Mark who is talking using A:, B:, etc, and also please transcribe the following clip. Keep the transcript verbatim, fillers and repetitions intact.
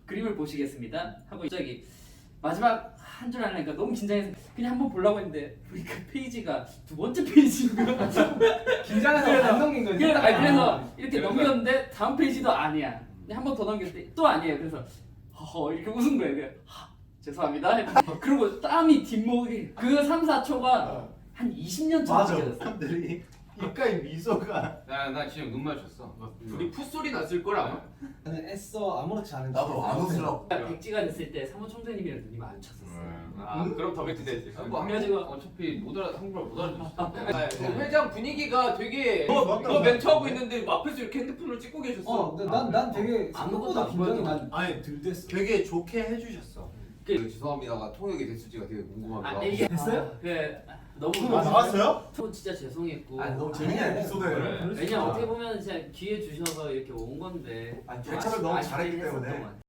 A: 그림을 보시겠습니다 하고 갑자기 마지막 한 줄 하려니까 너무 긴장해서 그냥 한번 보려고 했는데 보니까 페이지가 두 번째 페이지인 거야.
B: 긴장해서 안 넘긴 거지.
A: 그래서, 아니, 그래서
B: 아,
A: 이렇게
B: 그래서-
A: 넘겼는데 다음 페이지도 아니야. 한 번 더 넘겼을 때 또 아니에요. 그래서 허허 이렇게 웃은 거예요. 그래서 하, 죄송합니다. 했는데 그리고 땀이 뒷목이 그 삼, 사 초가 한 이십 년
C: 맞아.
A: 정도 느껴졌어.
C: 사람들이 입가에 미소가.
D: 나, 나 진짜 눈 마주쳤어. 둘이 풋소리 났을 걸 아마?
B: 나는 애써 아무렇지 않은
C: 나도 안 웃으려고.
A: 백지가 됐을 때 사무총장님이랑 눈이 마주쳤었어.
D: 아 그럼 더 뱉이 되지. 뭐
A: 그래가지고-
D: 어차피 못 알아 한국말 못 알아듣지.
A: 네.
D: 회장 분위기가 되게
C: 어,
D: 너,
C: 맞다.
D: 너 멘트하고 있는데 앞에서 이렇게 핸드폰을 찍고 계셨어.
B: 어, 근데 난, 난 되게
A: 아무것도
B: 생각보다
A: 안
B: 긴장이
A: 보여도-
B: 많이
C: 아니
B: 들댔어.
C: 되게 좋게 해주셨어.
D: 그 죄송합니다가 통역이 됐을지가 되게 궁금하기도
A: 아,
D: 하고.
A: 이게
B: 됐어요?
A: 아, 그 너무
C: 아, 나왔어요?
A: 또 진짜 죄송했고.
C: 아니 너무 재밌는
B: 그래.
C: 에피소드예요.
D: 그래.
A: 왜냐 어떻게 보면 진짜 기회 주셔서 이렇게 온 건데.
C: 아니, 대처를 너무
A: 아쉽-
C: 잘했기
A: 아쉽긴
C: 때문에.
A: 했었던 것 같아요.